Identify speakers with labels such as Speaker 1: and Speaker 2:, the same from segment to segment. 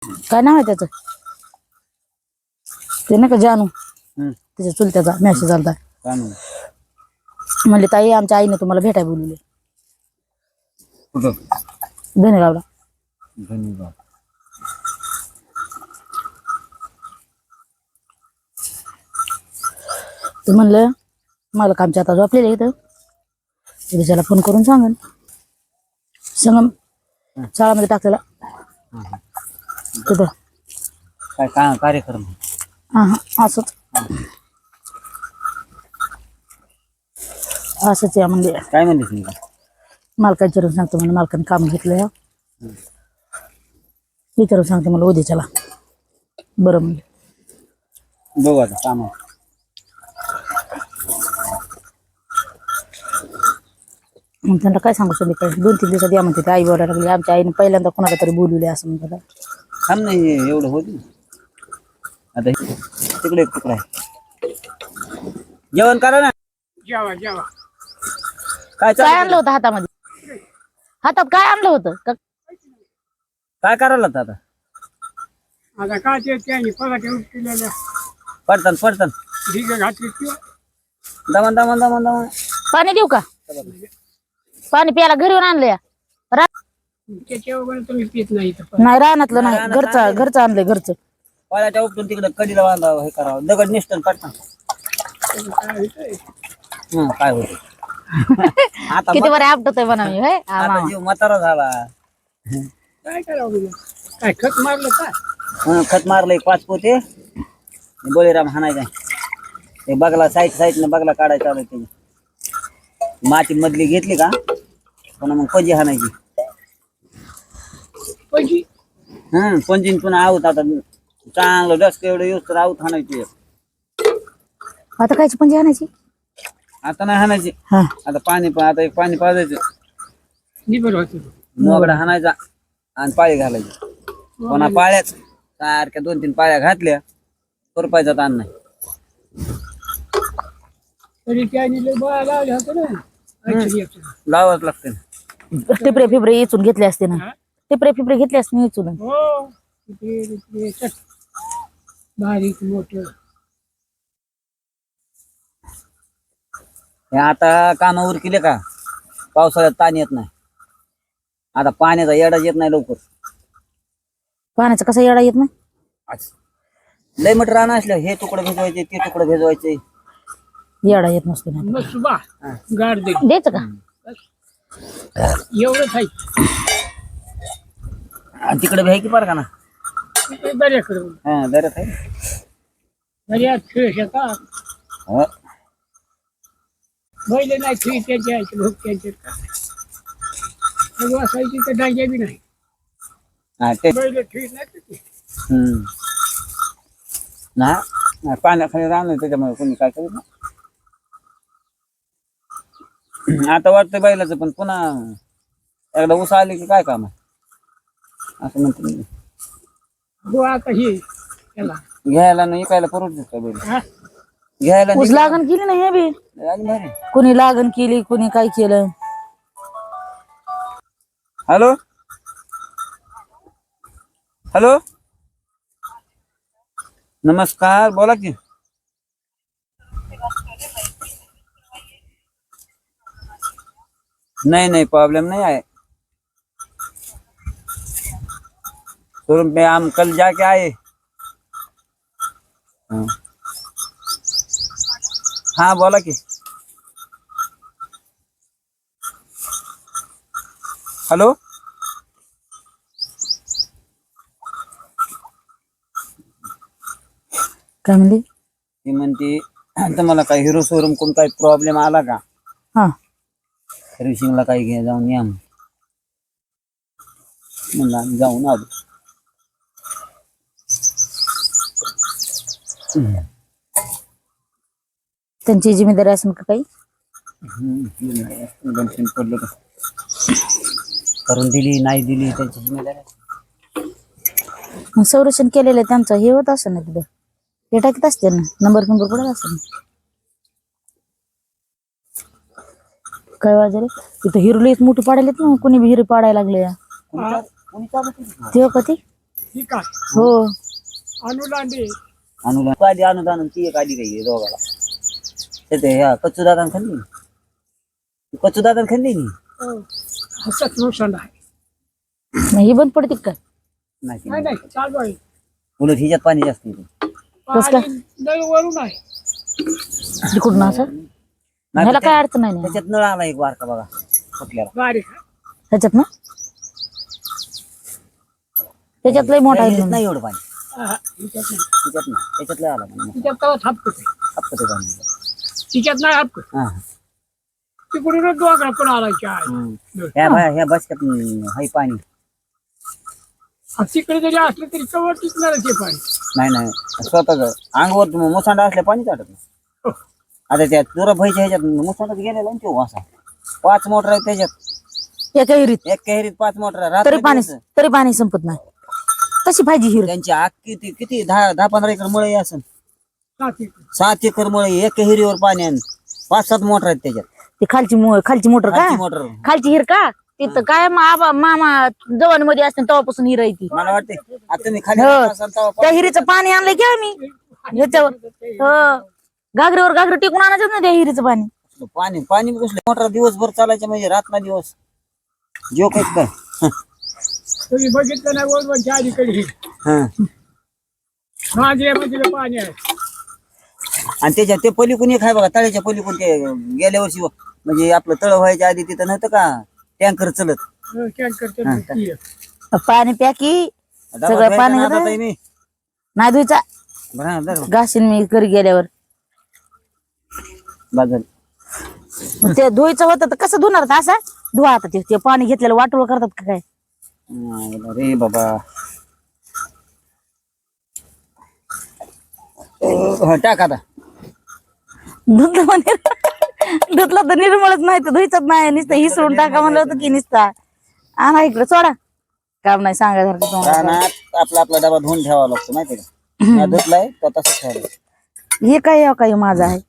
Speaker 1: काय नाव आहे त्याचं ते नाही का जानू त्याच्या चुलत्याचा मॅसेज आलता म्हणले ताई आमच्या आईने तुम्हाला भेटाय बोलवले धनेगावला ते म्हणलं मला कामच्या आता झोपलेलं इथं त्याला फोन करून सांगन संगम शाळामध्ये टाकलेला तिथं
Speaker 2: काय कार्यक्रम
Speaker 1: असंच असंच या म्हणजे
Speaker 2: काय म्हणते
Speaker 1: मालकाला विचारून सांगतो म्हणजे मालकाने काम घेतलं विचारून सांगते मला उद्याच्याला बरं म्हणजे
Speaker 2: बघू आता काम
Speaker 1: मग त्यांना काय सांगू संध्याकाळी 2-3 दिवसात या म्हणते आई बोलायला लागली आमच्या आईने पहिल्यांदा कोणाला तरी बोलवले असं म्हणतात
Speaker 2: थांब नाही एवढं होत आता तिकडे तुकडा आहे जेवण करा ना
Speaker 3: जेवा जेवा
Speaker 2: काय
Speaker 1: काय आणलं होतं हातामध्ये हातात काय आणलं होतं
Speaker 2: काय करायला आता
Speaker 3: आता काय ते त्यांनी पगार केलेल्या
Speaker 2: पडतान
Speaker 3: ढिगे घातली किंवा
Speaker 2: दमन दमन दमन दमन
Speaker 1: पाणी देऊ का पाणी प्यायला घरी येऊन आणलं
Speaker 3: त्याच्यावर तुम्ही पित नाही
Speaker 1: नाही रानातलं नाही घरचं आणलंय घरचं
Speaker 2: पाण्याच्या उपटून तिकडे कधीला बांधावं हे करावं दगड निसटून पडतान काय होत आता
Speaker 1: किती बरं आपटतोय म्हणा मी होय
Speaker 2: आता जीव म्हातारा झाला
Speaker 3: काय करावं काय खत मारलं का
Speaker 2: खत मारलंय 5 पोते बळीराम हाणायचा ते बगला साईडने बगला काढायचा चालू त्याची माती मधली घेतली का पुन्हा मग पजी हाणायची पंजीन पुन्हा आऊत आता चांगलं डस्क एवढं येऊस तर आऊत हाणायची
Speaker 1: आता कायची पंजी आणायची
Speaker 2: आता नाही हाणायची आता पाणी
Speaker 3: निबर होत
Speaker 2: मोगडा हाणायचा आणि पाळी घालायची पुन्हा पाळ्याच सारख्या 2-3 पाळ्या घातल्या खुरपायचा ताण नाही
Speaker 3: तरी त्याने बळा लावले होते ना
Speaker 2: लावाच लागते
Speaker 1: टिपरे फिबरे इचून घेतले असते ना टिपरे फिबरे घेतले असते इचून
Speaker 3: हो बारीक मोठं
Speaker 2: आता कामावर केले का पावसाळ्यात ताण येत नाही आता पाण्याचा येडा येत नाही लवकर
Speaker 1: पाण्याचा कसा येडा येत नाही
Speaker 2: लय मट रान असलं हे तुकडं भिजवायचे ते तुकडं भिजवायचे
Speaker 1: येडा येत नसतो ना
Speaker 3: मग सुबा गाड दे
Speaker 1: द्यायचं का
Speaker 3: एवढंच आहे
Speaker 2: आणि तिकडे भ्याय की पार का ना
Speaker 3: बऱ्याकडे
Speaker 2: दर्यात आहे
Speaker 3: बऱ्याच खेळ शेतात बैल नाही खिळी त्यांच्या लोक त्यांचे असायची तर डांग्या बी नाही बैल खिळी नाही
Speaker 2: ना पाण्याखाली राहणार त्याच्यामुळे कोणी काय करू ना आता वाटतं बैलाचं पण पुन्हा एकदा ऊस आली की काय काम आहे असं म्हणतो
Speaker 3: हो आता हे त्याला
Speaker 2: घ्यायला नाही इकायला परवडत का बैल घ्यायला
Speaker 1: ऊस लागण केली ना हे बी कोणी लागण केली कोणी काय केलं
Speaker 2: हॅलो हॅलो नमस्कार बोला की नहीं प्रॉब्लम नहीं आए शोरूम पे हम कल जाके आए हाँ बोला कि हेलो
Speaker 1: काय म्हणली
Speaker 2: ती म्हणते तुम्हाला काही हिरो शोरूम कोण काही प्रॉब्लेम आला का सर्व्हिसिंगला काही घे जाऊन या म्हणलं आम्ही जाऊन आलो
Speaker 1: त्यांची जिम्मेदारी असेल का काही
Speaker 2: पडलं का करून दिली नाही दिली त्यांची जिम्मेदारी
Speaker 1: संरक्षण केलेलं त्यांचं हे होत असं ना तिथं हे टाकीत असते ना नंबर पडत असं काय वाजले तिथं हिरोलीच मोठी पाडायला ना कोणी बी हिरो पाडायला लागले ते कधी
Speaker 3: ही काय
Speaker 1: हो
Speaker 3: अनुलांडे
Speaker 2: अनुदान आधी अनुदान ती एक आधी काही दोघाला ते ह्या कच्चू दादा खाल्ली कच्चू दादा खाल्ली
Speaker 3: हसत नुकसान आहे.
Speaker 1: मग ही बंद पडते का
Speaker 2: नाही
Speaker 3: नाही नाही चालू आहे.
Speaker 2: उलट हिच्यात पाणी जास्त येते
Speaker 1: कसं काय?
Speaker 3: पाणी नळ वरून आहे.
Speaker 1: तिकडून असं
Speaker 2: नाही
Speaker 1: ह्याला
Speaker 2: तर
Speaker 1: काय अडचण नाही ना.
Speaker 2: त्याच्यात नळ आला एक बारका बघा फुटल्याला
Speaker 3: बारीक आहे.
Speaker 1: त्याच्यात ना त्याच्यात लय मोठा आहे
Speaker 2: ह्याच्यात नाही एवढं पाणी
Speaker 3: हा, तिच्यात नाही.
Speaker 2: त्याच्यात ना त्याच्यात लय आला पाणी
Speaker 3: तिच्यात तेव्हा थापकत आहे.
Speaker 2: हप्ता ते पाणी
Speaker 3: तिच्यात नाही थापकत.
Speaker 2: हा
Speaker 3: तिकडूनच डोंगरा पण आलायची आहे.
Speaker 2: ह्या बसक्यात हाय पाणी
Speaker 3: तिकडे जरी असलं तरी कवर टिकणार ते पाणी.
Speaker 2: नाही स्वतःच अंगावर मुसांडा असल्या पाणी चाटत नाही
Speaker 3: हो.
Speaker 2: आता त्या तुरा भाईच्या ह्याच्यात मुसांडाच गेलेला ना तो असा 5 मोटर आहेत त्याच्यात
Speaker 1: एका हिरीत
Speaker 2: एक हिरीत 5 मोटर
Speaker 1: तरी पाणी संपत नाही कशी पाहिजे हिर
Speaker 2: त्यांची आग किती 10-15 एकर मळे असेल
Speaker 3: सात एकर.
Speaker 2: 7 एकर मळे एक हिरीवर पाणी आणि 5-7 मोटर आहेत त्याच्यात
Speaker 1: ती खालची मोटर का
Speaker 2: मोटर
Speaker 1: खालची हिर का तिथं काय मामा जवान मध्ये असते तेव्हापासून हिर आहे ती
Speaker 2: मला वाटते आता तुम्ही खाली
Speaker 1: हो.
Speaker 2: राहत असाल तेव्हा
Speaker 1: त्या हिरीचं पाणी आणलंय की आम्ही ह्याच्यावर घागरीवर टिकून आणायचं ना त्या हिरीचं पाणी
Speaker 2: पाणी कसलं मोटर दिवसभर चालायचं म्हणजे रात ना दिवस जो काय
Speaker 3: तुम्ही बघितलं नाही वरवरच्या अलीकडे हे.
Speaker 2: हा
Speaker 3: मांजऱ्यामध्ये पाणी आहे.
Speaker 2: आणि त्याच्या ते पलीकडून एक आहे बघा तळ्याच्या पलीकडून ते गेल्या वर्षी म्हणजे आपलं तळ व्हायच्या आधी तिथं नव्हतं का टँकर चलत
Speaker 3: टँकर
Speaker 1: पाणी प्या की सगळं पाणी
Speaker 2: आता ताई मी
Speaker 1: नाही धुयचा
Speaker 2: बरं हा, धर.
Speaker 1: घासीन मी घरी गेल्यावर
Speaker 2: बाजल
Speaker 1: मग ते धुयचं होतं तर कसं धुणार होतं असं धुवा आता ते पाणी घेतलेलं वाटोळ करतात का काय
Speaker 2: रे बाबा टाक आता
Speaker 1: धुतलं म्हणे धुतलं तर निर्मळच नाही तर धुयचंच नाही नुसतं हिसळून टाका म्हणलं होतं की नुसता आणा इकडे सोडा काम नाही सांगायसारखं तुम्हाला.
Speaker 2: रानात आपला डबा धुवून ठेवावा लागतो माहिती का नाही धुतलाय तर तसंच ठेवायला
Speaker 1: हे काय माझं आहे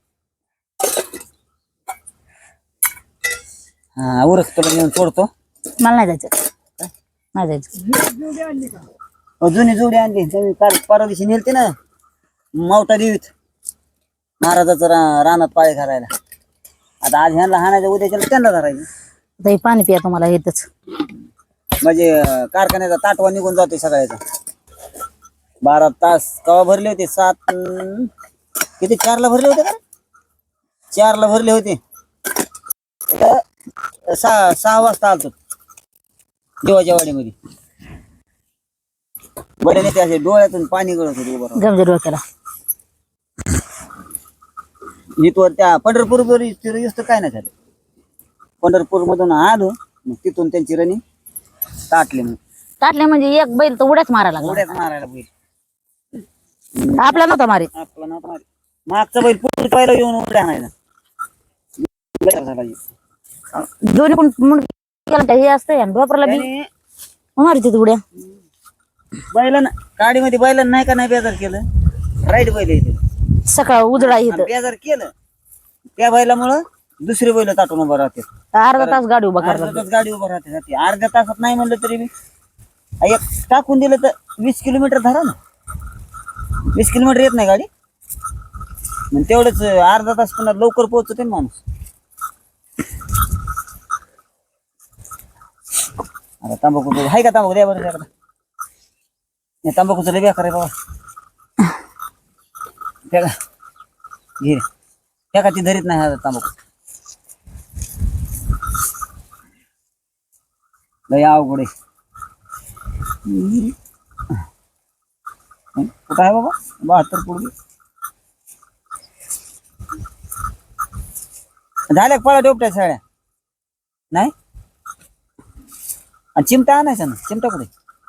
Speaker 2: हा उरक तुला नेऊन सोडतो
Speaker 1: मला नाही जायचं नाही जायचं
Speaker 2: जुनी जोडी आणली तुम्ही काल परवा दिवशी नेलते ना मावटा देवीत महाराजाचं रानात पाळी घालायला आता आज ह्यांना हाणायचं उद्याच्या त्यांना धरायचं
Speaker 1: आता हे पाणी पिया तुम्हाला येतच
Speaker 2: म्हणजे कारखान्याचा ताटवा निघून जातोय सगळ्याचा 12 तास कवा भरले होते 7 किती 4ला भरले होते का 4ला भरले होते 6 वाजता आलतो देवाच्या वाडीमध्ये बडे नेते असे डोळ्यातून पाणी गळत होते उभं राहून.
Speaker 1: गमजे डोक्याला
Speaker 2: इथवर त्या पंढरपूर तर काय नाही झालं पंढरपूर मधून आलो मग तिथून त्यांची रणी ताटली मग
Speaker 1: टाटले म्हणजे एक बैल तर उड्याच मारायला लागला
Speaker 2: उड्यात मारायला बैल
Speaker 1: आपला नव्हता मारीत
Speaker 2: आपला ना मारी मागचा बैल पुढे पाहिलं येऊन उड्या आणायला
Speaker 1: दोन्ही पण मुंडक्याला हे असतंय आणि डोपराला बी
Speaker 2: त्याने
Speaker 1: मारित उड्या
Speaker 2: बैलांना गाडीमध्ये बैलांना नाही का नाही बेजार केलं राईट बैल येते
Speaker 1: सकाळ उजळा इथं
Speaker 2: बेजार केलं त्या बैलामुळं दुसरी बैल ताटून उभं राहते
Speaker 1: अर्धा तास गाडी उभा
Speaker 2: अर्धा
Speaker 1: करला
Speaker 2: तास गाडी उभं राहते अर्ध्या तासात नाही म्हणलं तरी मी एक टाकून दिलं तर 20 किलोमीटर धरा ना 20 किलोमीटर येत नाही गाडी मग तेवढंच अर्धा तास पुन्हा लवकर पोहोचते ना माणूस आता तंबाखू आहे का तंबाखू द्या बरं त्याकडे तंबाखूचं लय बेकार आहे बाबा त्या घे त्या का ती धरीत नाही हा तंबाखू लय अवघड आहे कुठं आहे बाबा 72 पुढे झाल्या पळा डोपट्या सगळ्या नाही आणि चिमटा आणायचा ना चिमटा कुठे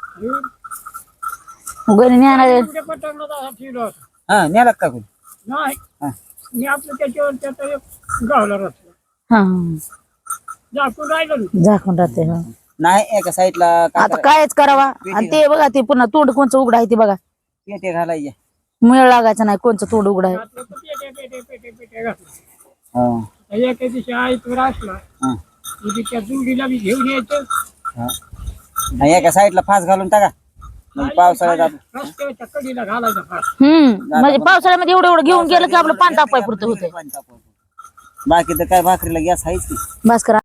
Speaker 1: गणी आणायला
Speaker 2: हा न्याला का कुठे
Speaker 3: नाही
Speaker 2: हा
Speaker 3: मी आपलं त्याच्यावर त्याचा एक गावला रचला
Speaker 1: हा
Speaker 3: झाकून राहिलं
Speaker 1: झाकून राहते हा
Speaker 2: नाही एका साईडला
Speaker 1: आता कायच करावा आणि ते बघा ते पुन्हा तोंड कोणचं उघडा आहे ते बघा
Speaker 2: पेटे घालायचे
Speaker 1: मेळ लागायचं नाही कोणचं तोंड उघडा आहे
Speaker 3: घातलं तर पेटे घातलं
Speaker 2: हा
Speaker 3: एका दिवशी आईतवर असला
Speaker 2: हा
Speaker 3: की त्या जुडीला मी घेऊन यायचं
Speaker 2: हा. आणि एका साईडला फास घालून टाका म्हणजे पावसाळ्यात आपण
Speaker 3: रस्त्याच्या कडेला घालायचा फार.
Speaker 1: म्हणजे पावसाळ्यामध्ये एवढं एवढं घेऊन गेलं की आपलं पाणी तापाय पुरतं होते.
Speaker 2: बाकी तर काय भाकरीला गॅस आहेच की.
Speaker 1: भास्कर